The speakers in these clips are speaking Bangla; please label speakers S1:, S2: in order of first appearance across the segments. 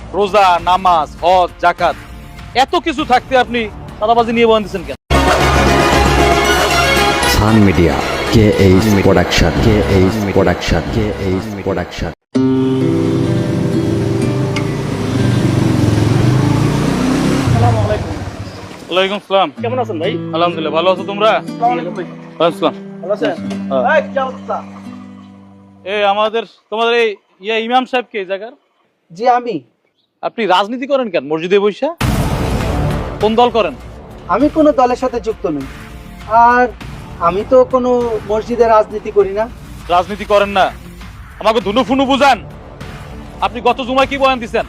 S1: রোজা, নামাজ, হজ, যাকাত এত কিছু থাকতে আপনি চাঁদাবাজি নিয়ে বয়ান দিচ্ছেন কেন?
S2: সান মিডিয়া প্রোডাকশন
S1: ওয়ালাইকুম আসসালাম।
S3: কেমন আছেন ভাই?
S1: আলহামদুলিল্লাহ, ভালো আছো তোমরা? আসসালাম।
S3: ভালো আছেন? এই কি অবস্থা?
S1: এই তোমাদের এই ইমাম সাহেব কে এই জায়গার?
S3: জি আমি।
S1: আপনি রাজনীতি করেন কেন মসজিদে বইসা? কোন দল করেন?
S3: আমি কোনো দলের সাথে যুক্ত নই। আর আমি তো কোনো মসজিদে রাজনীতি করি না।
S1: রাজনীতি করেন না, আমাকে ধুনু ফুনু বুঝান। আপনি গত জুমায় কি বয়ান দিচ্ছেন?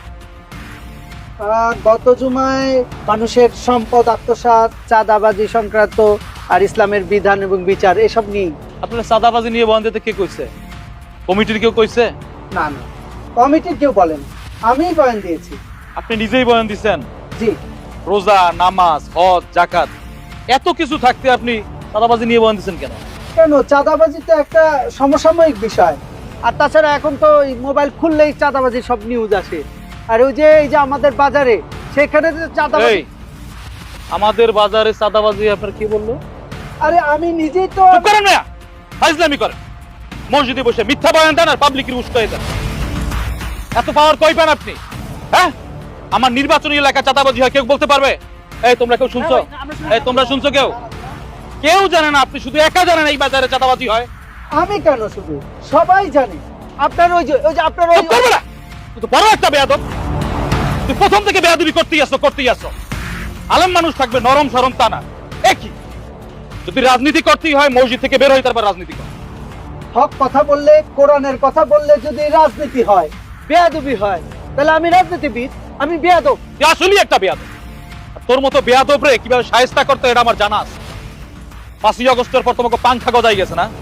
S3: গত জুমায় মানুষের সম্পদ আত্মসাৎ, চাঁদাবাজি সংক্রান্ত আর ইসলামের বিধান এবং বিচার এসব নিয়ে।
S1: আপনার চাঁদাবাজি নিয়ে বয়ান দিতে কে কইছে? কমিটির কেউ কইছে?
S3: না না, কমিটির কেউ বলেন, আমিই বয়ান দিয়েছি।
S1: আপনি নিজেই বয়ান দিচ্ছেন?
S3: জি।
S1: রোজা, নামাজ, হজ, যাকাত এত কিছু থাকতে আপনি চাঁদাবাজি নিয়ে বয়ান দিচ্ছেন কেন?
S3: কেন, চাঁদাবাজি তো একটা সমসাময়িক বিষয়। আর তাছাড়া এখন তো মোবাইল খুললেই চাঁদাবাজি সব নিউজ আসে। আর ওই যে এই যে আমাদের বাজারে, সেখানে যে চাঁদাবাজি।
S1: এই আমাদের বাজারে চাঁদাবাজি আপনার কি বললো?
S3: আরে আমি নিজেই তো।
S1: চুপ করেন না, ফাজলামি করেন। মসজিদে বসে মিথ্যা বয়ান দেন আর পাবলিকের উস্কাই দেন। এত পাওয়ার কই পান আপনি? হ্যাঁ, আমার নির্বাচনী এলাকা চাঁদাবাজি হয় কেউ বলতে পারবে? এই তোমরা কেউ শুনছো? এই তোমরা শুনছো কেউ? কেউ জানে না, আপনি শুধু একা জানেন এই বাজারে চাঁদাবাজি হয়।
S3: আমি কেন, শুধু সবাই জানে। আপনার ওই যে আপনার ওই।
S1: চুপ করবে না, তুই তো বড় একটা বেয়াদব। তুই প্রথম থেকে বেয়াদবি করতেই আসো। আলেম মানুষ থাকবে নরম সরম তা না। একই যদি রাজনীতি করতেই হয় মসজিদ থেকে বের হই, তারপর রাজনীতি কর।
S3: হক কথা বললে, কোরআনের কথা বললে যদি রাজনীতি হয়, বেয়াদবি হয়, তাহলে আমি রাজনীতিবিদ, আমি বেয়াদব।
S1: তুই আসলেই একটা বেয়াদব। আর তোর মতো বেয়াদব রে কিভাবে শায়েস্তা করতে এটা আমার জানা আছে। 5ই আগস্টের পর তোমাকে পাংখা গজাই গেছে না?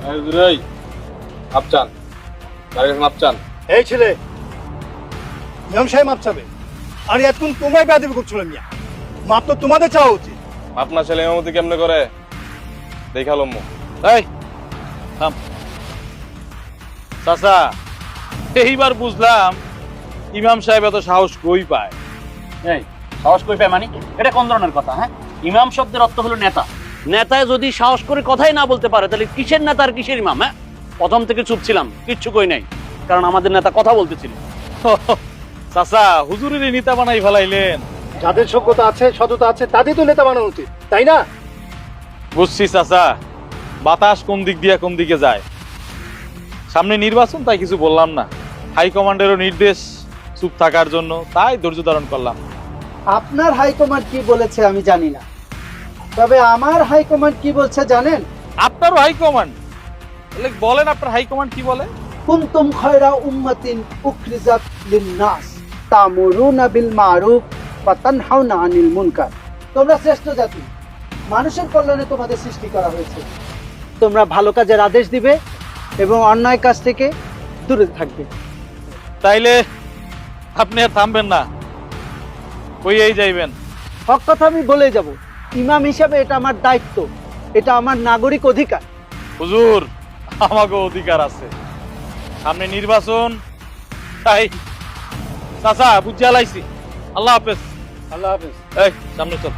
S4: এই ছেলে, ইমাম সাহেব মাপ চাবে। আর এতক্ষণ তোমায় বেয়াদবি করছিল মিয়া। মাপ তো তোমাদের চাওয়া উচিত।
S5: আপনার ছেলে ইমামতি কেমনে করে দেখালো মু।
S1: এই থাম চাচা, এইবার বুঝলাম ইমাম সাহেব এত সাহস কই পায়।
S6: এই সাহস কই পায় মানে? এটা কোন ধরনের কথা? হ্যাঁ, ইমাম শব্দের অর্থ হলো নেতা। নেতায় যদি সাহস করে কথাই না বলতে পারে, তাহলে কিসের নেতা আর কিসের ইমাম? হ্যাঁ, প্রথম থেকে চুপ ছিলাম, কিচ্ছু কই নাই, কারণ আমাদের নেতা কথা বলতেছিল।
S1: চাচা, হুজুরের নেতা বানাই ফেলাইলেন।
S4: যাদের যোগ্যতা আছে, সততা আছে, তাদের তো নেতা বানানো উচিত, তাই না?
S1: বুঝছি চাচা, বাতাস কোন দিক দিয়ে কোন দিকে যায়। সামনে নির্বাচন, তাই কিছু বললাম না। হাইকমান্ডেরও নির্দেশ চুপ থাকার জন্য, তাই ধৈর্য ধারণ করলাম।
S3: আপনার হাইকমান্ড কি বলেছে আমি জানি না, তবে আমার হাইকমান্ড কি বলছে জানেন?
S1: আপনারও হাইকমান্ড? তাহলে বলেন আপনার হাইকমান্ড কি বলে?
S3: কুনতুম খায়রা উম্মাতিন উখরিজাত লিন-নাস তা'মুরুনা বিল মা'রুফ ওয়া তানহাউনা আনিল মুনকার। তোমরা শ্রেষ্ঠ জাতি, মানুষের কল্যাণে তোমাদের সৃষ্টি করা হয়েছে। তোমরা ভালো কাজের আদেশ দিবে এবং অন্যায় কাজ থেকে দূরে থাকবে।
S1: তাইলে আপনি আর থামবেন না, কইয়েই যাইবেন?
S3: হক কথা আমি বলে যাব। ইমাম হিসাবে এটা আমার দায়িত্ব, এটা আমার নাগরিক অধিকার।
S1: হুজুর, আমাকে অধিকার আছে। সামনে নির্বাচন, তাই চাচা বুঝে আলাইছি। আল্লাহ হাফেজ।
S4: আল্লাহ হাফেজ।
S1: এই সামনে চল,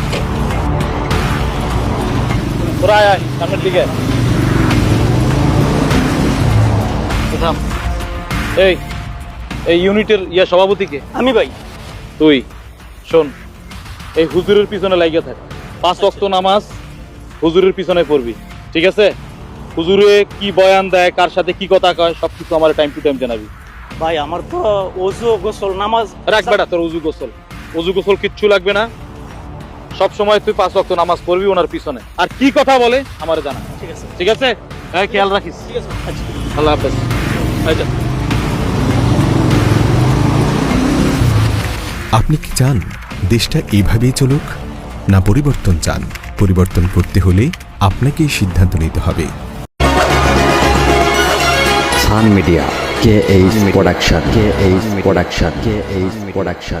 S1: তোরা আয় আয় সামনের দিকে। থাম। এই এই ইউনিটের সভাপতিকে?
S6: আমি ভাই।
S1: তুই শোন, এই হুজুরের পিছনে লাগিয়ে থাক। 5 ওয়াক্ত নামাজ হুজুরের পিছনে পড়বি, ঠিক আছে? হুজুরে কি বয়ান দেয়, কার সাথে কি কথা কয়, সবকিছু আমার টাইম টু টাইম জানাবি।
S6: ভাই আমার তো ওযু গোসল নামাজ।
S1: রাখ বেটা, তোর অজু গোসল কিচ্ছু লাগবে না। সব সময় তুই 5 ওয়াক্ত নামাজ পড়বি ওনার পিছনে। আর কি কথা বলে আমারে জানা,
S6: ঠিক আছে?
S1: ঠিক আছে? হ্যাঁ, খেয়াল রাখিস।
S6: ঠিক আছে। আচ্ছা।
S1: আল্লাহ হাফেজ। আচ্ছা।
S7: আপনি কি চান দেশটা এইভাবেই চলুক, না পরিবর্তন চান? পরিবর্তন করতে হলে আপনাকেই সিদ্ধান্ত নিতে হবে।
S2: সান মিডিয়া প্রোডাকশন